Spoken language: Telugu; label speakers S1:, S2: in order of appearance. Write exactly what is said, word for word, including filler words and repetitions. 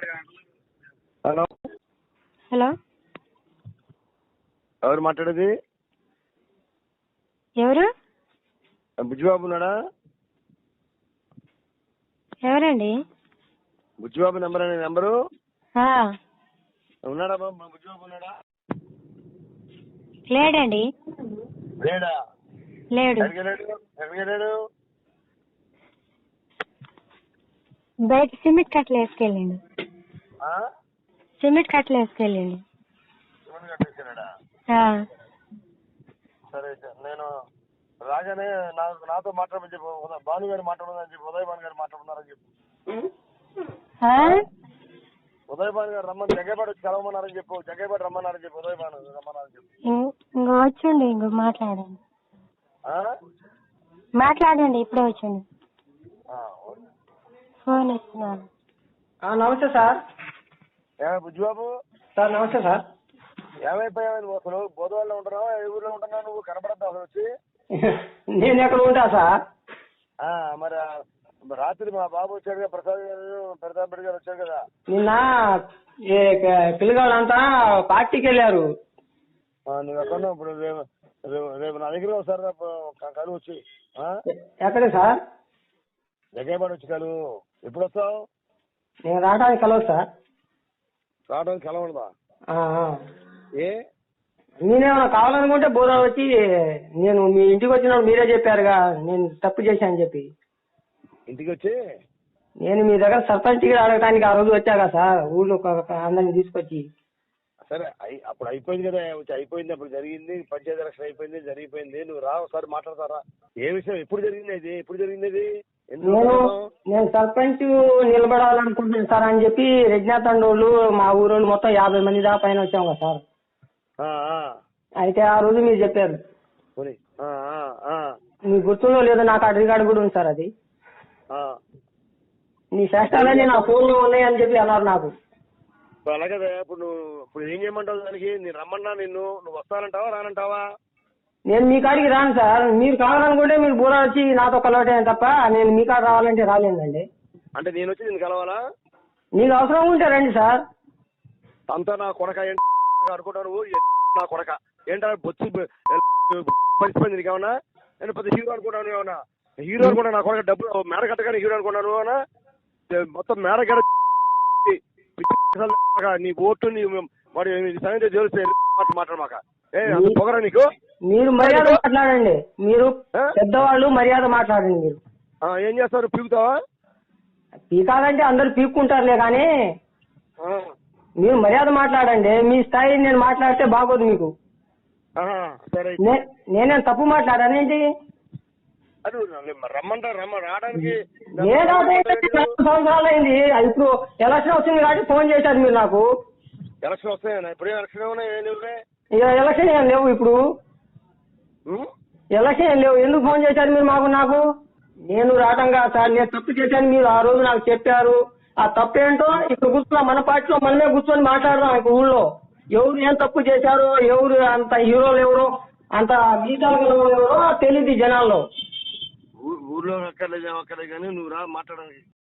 S1: హలో
S2: హలో
S1: ఎవరు మాట్లాడేది?
S2: ఎవరు?
S1: బుజ్జిబాబు ఉన్నాడా?
S2: ఎవరండి?
S1: బుజ్జిబాబు నెంబర్ అనే నెంబరు
S2: ఆ,
S1: ఉన్నాడా బాబు? బుజ్జిబాబు ఉన్నాడా?
S2: లేడండి.
S1: లేడా?
S2: లేడు.
S1: ఎక్కడికి వెళ్ళాడు? ఎక్కడికి వెళ్ళాడు?
S2: బయట సిమెంట్ కట్టలు వేసుకెళ్ళండి.
S1: ఆ?
S2: సిమెంట్ కట్టలు వేసుకెళ్ళండి.
S1: శివుని కట్టేసాడా? సరే అయితే నేను రాగానే నాకు నాతో మాట్లాడమని చెప్పు. ఉదయ్ భాను గారు మాట్లాడమని చెప్పి ఉదయ్ భాను గారు మాట్లాడుతున్నారని చెప్పు. ఉదయ్ భాను గారు రమ్మని జగ్గేపాటి వచ్చి కలవమన్నారని చెప్పు. జగ్గేపాటి రమ్మన్నారని చెప్పు. ఉదయ్ భాను రమ్మన్నారని చెప్పు.
S2: ఇంకో వచ్చండి. ఇంకో మాట్లాడండి.
S1: ఆ?
S2: మాట్లాడండి. ఇప్పుడే వచ్చండి.
S1: ఆ, ఓకే.
S2: ఫోన్ ఇస్తున్నాను.
S3: నమస్తే సార్.
S1: ఏమే బుజ్జిబాబు?
S3: సార్ నమస్తే సార్.
S1: ఏమైపోయావు నువ్వు? అసలు బోధవాళ్ళలో ఉంటున్నావా? ఏ ఊర్లో ఉంటున్నావు నువ్వు? కనపడద్దు అసలు వచ్చి.
S3: నేను ఎక్కడ ఉంటా సార్?
S1: ఆ, మరి రాత్రి మా బాబు వచ్చాడు కదా, ప్రసాద్ గారు, ప్రతాప్ రెడ్డి గారు వచ్చారు కదా.
S3: నిన్న పిల్లగాళ్ళంతా పార్టీకి వెళ్ళారు.
S1: నువ్వు ఎక్కడ ఇప్పుడు? రేపు రేపు నా దగ్గర ఒకసారి కలువు వచ్చి.
S3: ఎక్కడే సార్?
S1: జగ్గేపాటి వచ్చి కలువు. ఎప్పుడు వస్తావు?
S3: నేను రావడానికి కలవదు సార్.
S1: రావడానికి కలవడదా? ఏ
S3: నేనేమన్నా కావాలనుకుంటే బోధ వచ్చి నేను మీ ఇంటికి వచ్చినప్పుడు మీరే చెప్పారుగా నేను తప్పు చేశాను చెప్పి.
S1: ఇంటికి వచ్చి
S3: నేను మీ దగ్గర సర్పంచ్ టికెట్ అడగడానికి ఆ రోజు వచ్చాగా సార్, ఊళ్ళో అందరిని తీసుకొచ్చి.
S1: సరే అప్పుడు అయిపోయింది కదా, వచ్చి అయిపోయింది. అప్పుడు జరిగింది, పంచాయతీ ఎలక్షన్ అయిపోయింది, జరిగిపోయింది. నువ్వు రా ఒకసారి మాట్లాడతారా? ఏ విషయం? ఎప్పుడు జరిగింది ఇది? ఎప్పుడు జరిగింది ఇది?
S3: నేను నేను సర్పంచ్ నిలబడాలనుకుంటున్నాను సార్ అని చెప్పి రెడ్నాథండోళ్ళు మా ఊరోళ్ళు మొత్తం యాభై మంది దాకా పైన వచ్చాం కదా సార్. అయితే ఆ రోజు మీరు చెప్పారు. మీకు గుర్తుందో లేదో నాకు ఆ రికార్డు కూడా ఉంది సార్. అది నీ శాస్త్రాలన్నీ నా ఫోన్ లో ఉన్నాయని చెప్పి అన్నారు నాకు.
S1: అలాగే ఇప్పుడు నువ్వు ఇప్పుడు ఏం చేయమంటావు దానికి? నేను రమ్మన్నా నిన్ను, నువ్వు వస్తానంటావా రానంటావా?
S3: నేను మీ కాడికి రాను సార్. మీరు కావాలనుకుంటే మీరు బూర వచ్చి నాతో కలవటే తప్ప నేను మీ కాడ రావాలంటే రాలేదండి.
S1: అంటే నేను వచ్చి నేను కలవాలా?
S3: నీకు అవసరం ఉంటే రండి సార్.
S1: అంతా నా కొడక అనుకుంటా నువ్వు. నా కొడక ఏంటా బొచ్చి పరిస్థితి నీకు ఏమన్నా? నేను పెద్ద హీరో అనుకున్నాను. ఏమన్నా హీరో అనుకున్నా? నా కొడక డబ్బులు మేడ కట్టగానే హీరో అనుకున్నాను అన్నా. మొత్తం మేడ కట్ట నీ ఓటు నీ మరి సంగతి తెలిస్తే మాట్లాడమాక. ఏ అంత పొగరా నీకు?
S3: మీరు మర్యాద మాట్లాడండి. మీరు పెద్దవాళ్ళు మర్యాద మాట్లాడండి. మీరు
S1: ఏం చేస్తారు? పీకుతావా?
S3: పీకాలంటే అందరు పీక్కుంటారులే కానీ మీరు మర్యాద మాట్లాడండి. మీ స్థాయి నేను మాట్లాడితే బాగోదు మీకు. నేనేం తప్పు మాట్లాడానేంటి?
S1: రమ్మంటా రమ్మ రావడానికి
S3: సంవత్సరాలు అయింది. ఇప్పుడు ఎలక్షన్ వచ్చింది కాబట్టి ఫోన్ చేశారు మీరు నాకు.
S1: ఎలక్షన్ వస్తాయన్నా? ఇప్పుడు ఎలక్షన్ ఏమన్నా?
S3: ఇక ఎలక్షన్ ఏం లేవు. ఇప్పుడు ఎలక్షన్ ఏం లేవు. ఎందుకు ఫోన్ చేశారు మీరు మాకు? నాకు నేను రావటం కాదు సార్. నేను తప్పు చేశాను. మీరు ఆ రోజు నాకు చెప్పారు. ఆ తప్పు ఏంటో ఇప్పుడు కూర్చున్నా మన పార్టీలో మనమే కూర్చొని మాట్లాడదాం. ఇప్పుడు ఊళ్ళో ఎవరు ఏం తప్పు చేశారో, ఎవరు అంత హీరోలు ఎవరో, అంత గీతాలు ఎవరో తెలియదు జనాల్లో.
S1: ఊర్లో అక్కర్లేదు అక్కర్లేదు కానీ నువ్వు రా మాట్లాడడానికి.